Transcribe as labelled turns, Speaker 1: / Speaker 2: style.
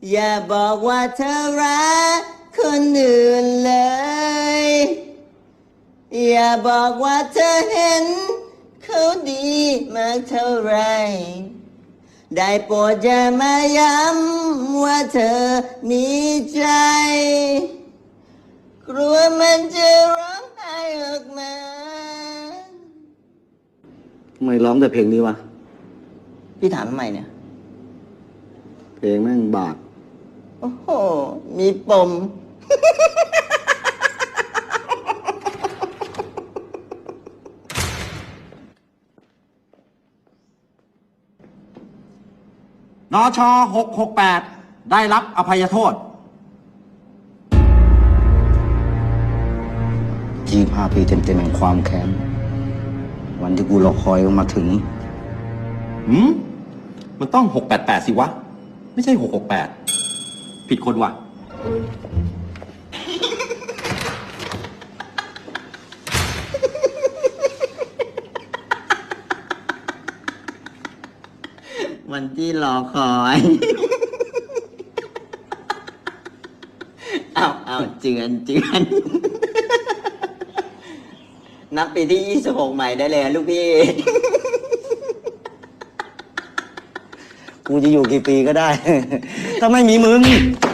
Speaker 1: อย่าบอกว่าเธอรักคนอื่นเลย อย่าบอกว่าเธอเห็นเขาดีมากเท่าไร ได้โปรดอย่ามาย้ำว่าเธอมีใจ กลัวมันจะร้องไห้ออกมา
Speaker 2: ทำไมร้องแต่เพลงนี้วะ
Speaker 1: พี่ถามทำไมเนี่ย
Speaker 2: เพลงแม่งบาด
Speaker 1: โอ้โห มีปม
Speaker 3: นช668 ได้รับอภัยโทษ
Speaker 2: 25 ปีเต็มๆแห่งความแค้น วันที่กูรอคอยมันมาถึง
Speaker 3: มันต้อง688สิวะ ไม่ใช่668 ผิดคนว่ะ
Speaker 1: วันที่รอคอย เอาเจือน นับปีที่ 26 ใหม่ได้เลยลูกพี่
Speaker 2: กูจะอยู่กี่ปีก็ได้ ถ้าไม่มีมึง